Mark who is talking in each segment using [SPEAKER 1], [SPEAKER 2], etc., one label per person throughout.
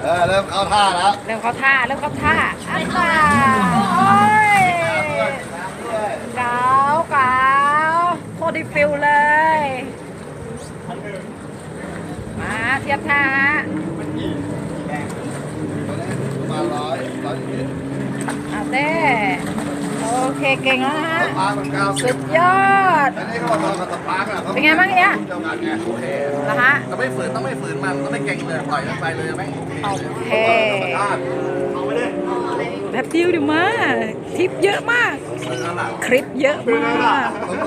[SPEAKER 1] เริ่มเข้าท่าแล้ว
[SPEAKER 2] เริ่มเข้าท่าอันน่ะโอ้ยเก๋าโคตรดีฟิลเลยมาเทียบท่าฮะ
[SPEAKER 1] ประมาณ100
[SPEAKER 2] เต้โอเคเก่งแล้วนะฮะสุดยอด
[SPEAKER 1] อันนี้เขาบอกว่าสปาร์กอะ
[SPEAKER 2] เป็นไงบ้างเนี่ย
[SPEAKER 1] เดียวกันไงโอเค
[SPEAKER 2] นะฮะ
[SPEAKER 1] ต้องไม่ฝืนมันต้องไม่เก่งเลยปล่อยมันไปเลยไม่
[SPEAKER 2] โอเค
[SPEAKER 1] เอาไปเลย
[SPEAKER 2] แบบเดียวดิมาคลิปเยอะมากคลิปเยอะมาก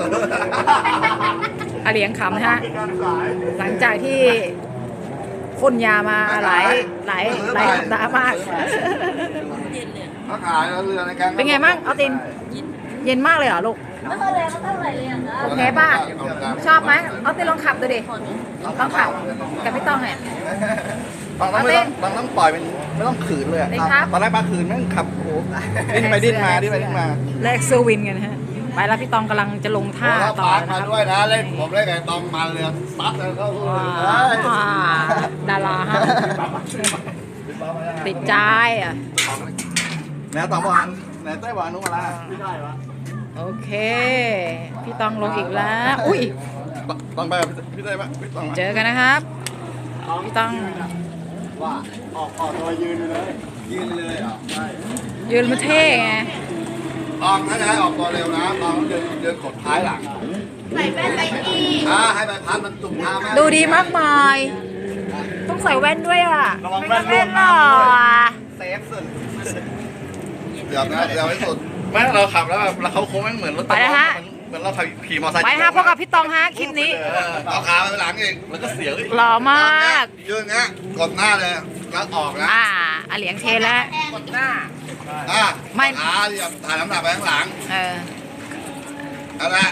[SPEAKER 2] อาเลียงขำนะฮะหลังจากที่พ่นยามาหลายสัปดาห์มาก
[SPEAKER 1] เขาขายแล้วเรือในแกง
[SPEAKER 2] เป็นไงบ้างเอาตินเย็นมากเลยเหรอลูก
[SPEAKER 3] ไม่ค่อยแรงไม่เท่าไหร่เลยอ่ะนะ
[SPEAKER 2] โอเคป่ะชอบไหมเอาตินลองขับดูดิลองขับแต่ไม่ต้องเนี่ย
[SPEAKER 1] บางต้องปล่อยเป็นไม่ต้องขืนเลยอะตอนแรกมาขืนแม่งขับโอ้ดิ้นไปดิ้นมา
[SPEAKER 2] แลกเซอร์วินกันนะฮะไปแล้วพี่ตองกำลังจะลงท่าต่อ
[SPEAKER 1] ปาร์ก
[SPEAKER 2] นะ
[SPEAKER 1] มา
[SPEAKER 2] ครับ
[SPEAKER 1] ด้วยนะเล่นผมเล่นไงตองมาเรือซัดแล้วก็
[SPEAKER 2] ดาราฮะติดใจอ่ะ
[SPEAKER 1] แนวตองวันแนวไต้หวันนู้นมาละไม่ได้วะ
[SPEAKER 2] โอเคพี่ตองลงอีกแล้วอุ้ย
[SPEAKER 1] ต้องไปพี่ได้ปะพี่ต้อง
[SPEAKER 2] เจอกันนะครับพี่ตอง
[SPEAKER 1] ว่าออกตัวยืนเลยเหรอใช่
[SPEAKER 2] ยืนมาเท่ไง
[SPEAKER 1] ตองถ้าจะให้ออกตัวเร็วนะตองเดินกดท้ายหลัง
[SPEAKER 3] ใส่แว่นใส่อี
[SPEAKER 1] ให้ใบพัดมันตุ่มเท้าแม่
[SPEAKER 2] ดูดีมากมายต้องใส่แว่นด้วยอ่ะไม่งั้นไม่หล่อ
[SPEAKER 1] เซฟสุดเดี๋ยวไม่สุดไม่เราขับแล้วแบบเขาโค้งแม่งเหมือนรถ
[SPEAKER 2] ไปนะฮะ
[SPEAKER 1] เหมือนเราขับขี่มอเตอร์ไซค์
[SPEAKER 2] ไปฮะพบกับพี่ตองฮะคลิปนี้
[SPEAKER 1] เอาขาไปหลังเองแล้วก็เสียว
[SPEAKER 2] หล่อมาก
[SPEAKER 1] ยืนเงี้ยกดหน้าเลยแล้วออกนะ
[SPEAKER 2] อาเหลียงเทแล้ว
[SPEAKER 1] กดหน้าขาที่ถ่ายน้ำหนักไปข้างหลังนั่นแหละ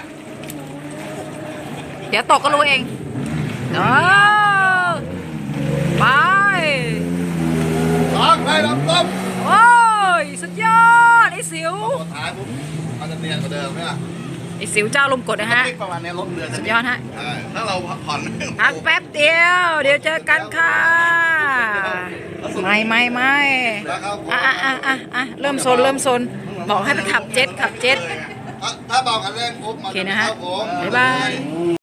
[SPEAKER 2] เดี๋ยวตกก็รู้เองไป
[SPEAKER 1] ไปลำต้ม
[SPEAKER 2] โอ้ยสุดยอดไอ้สิว
[SPEAKER 1] กดท้ายปุ๊บมันจะเนียนกว่าเดิมไหมล่ะ
[SPEAKER 2] ไอ้สิวเจ้าลมกดนะฮะ
[SPEAKER 1] ประมาณนี้ลดเรือ
[SPEAKER 2] สุดยอดฮะ
[SPEAKER 1] ถ้าเราผ่อน
[SPEAKER 2] พักแป๊บเดียวเดี๋ยวเจอกันค่ะไม่เริ่มโซนบอกให้ไปขับเจ็ต
[SPEAKER 1] ถ้าเบากันเร่งปุ๊บมันจะเข้าโค้ง
[SPEAKER 2] บ๊ายบาย